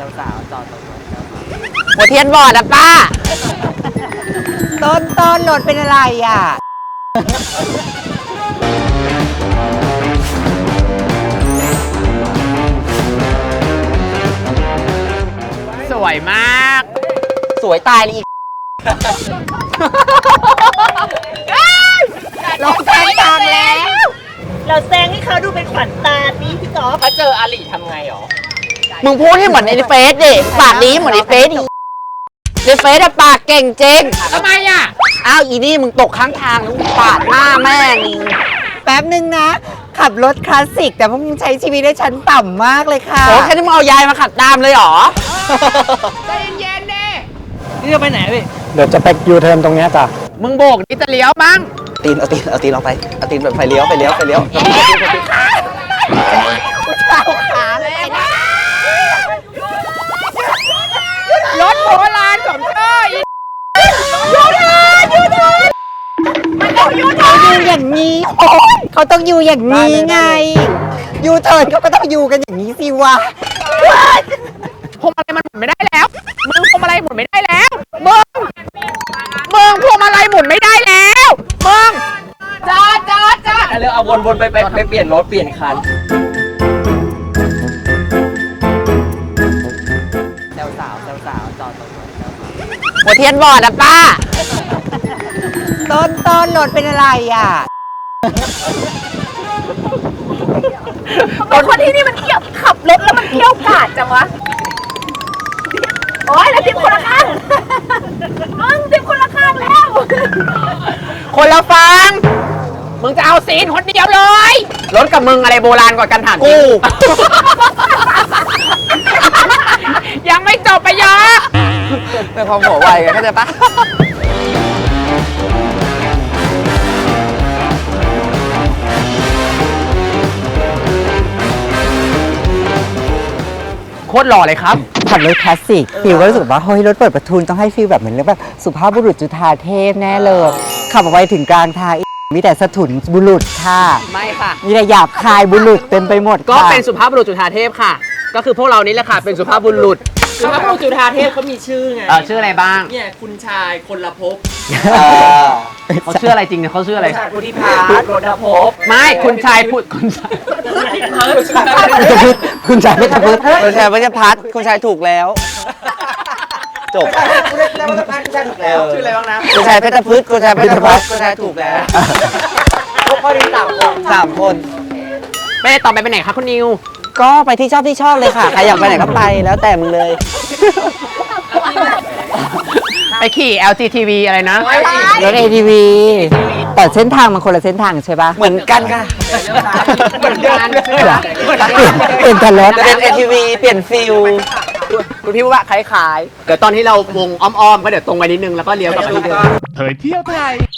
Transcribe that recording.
สาวจอดตรงรถหัวเทียนบอดอะป้าต้นรถเป็นอะไรอ่ะสวยมากสวยตายเลยอีกเราแซงทางแล้วเราแซงให้เขาดูเป็นขวัญตาดิพี่ก๊อฟถ้าเจออาลีทำไงหรอมึงพูดให้เหมือนในเฟซดิปากนี้เหมือนในเฟซดิในเฟซอะปากเก่งจริงทำไมอะอ้าวอีนี่มึงตกข้างทางแล้วปาดหน้าแม่งแป๊บนึงนะขับรถคลาสสิกแต่พวกมึงใช้ชีวิตได้ชั้นต่ำมากเลยค่ะโอ้แค่นี้มึงเอายายมาขัดตามเลยเหรอใจเย็นๆดินี่จะไปไหนพี่เดี๋ยวจะไปยูเทิร์นตรงเนี้ยจ้ะมึงโบกนี่จะเลี้ยวมั้งเอาตีนลงไปเอาตีนแบบไฟเลี้ยวเอาขาเลยนะรถโบราณสมเชยยูเทิร์นมันต้องยูเทิร์นอยู่อย่างนี้เขาต้องอยู่อย่างนี้ไงยูเทิร์นเขาก็ต้องอยู่กันอย่างนี้สิวะพวงมาลัยมันหมุนไม่ได้แล้วมึงพวงมาลัยหมุนไม่ได้แล้วมึงพวงมาลัยหมุนไม่ได้แล้วมึงจอดแล้วเอาวนไปเปลี่ยนรถเปลี่ยนคันแซวสาวจอดตรงรถหัวเทียนบอดอะป้าต้นรถเป็นอะไรอ่ะคนที่นี่มันเที่ยวขับรถแล้วมันเที่ยวกาดจังวะโอ้ยแล้วทิพย์คนละข้างทิพย์คนละข้างแล้วคนละฟังมึงจะเอาซีนคนเดียวเลยรถกับมึงอะไรโบราณกว่ากันถามจริงยังไม่จบไปเยอะเป็นความหัวไวไงเข้าใจปะโคตรหล่อเลยครับขับรถคลาสสิกฟิลก็รู้สึกว่าเฮ้ยรถเปิดประทุนต้องให้ฟิลแบบเหมือนแบบสุภาพบุรุษจุฑาเทพแน่เลยขับออกไปถึงกลางทางมีแต่สถุนบุรุษค่ะไม่ค่ะมีแต่หยาบคายบุรุษเต็มไปหมดก็เป็นสุภาพบุรุษจุฑาเทพค่ะก็คือพวกเรานี่แหละค่ะเป็นสุภาพบุรุษสุภาพบุรุษจุฑาเทพเขามีชื่อไงชื่ออะไรบ้างเนี่ยคุณชายคนละภพเขาชื่ออะไรจริงเนี่ยเขาชื่ออะไรพุทธิพาโรดภพไม่คุณชายพุทธคุณชายคุณชายเพชรพุทธคุณชายเพชรพัฒน์คุณชายถูกแล้วจบชื่ออะไรบ้างนะคุณชายเพชรพุทธคุณชายเพชรพัฒน์คุณชายถูกแล้วพอดี3 คนไม่ได้ต่อไปไหนคะคุณนิวก็ไปที่ชอบเลยค่ะใครอยากไปไหนก็ไปแล้วแต่มึงเลยไปขี่ LGTV อะไรนะรถ ATV แต่เส้นทางมันคนละเส้นทางใช่ปะเหมือนกันค่ะเหมือนกันเปลี่ยนแต่รถเป็น ATV เปลี่ยนฟิลคุณพี่ว่าคล้ายๆเดี๋ยวตอนที่เราวงอ้อมๆก็เดี๋ยวตรงไปนิดนึงแล้วก็เลี้ยวกลับไปที่เดิมเผยเที่ยวไทย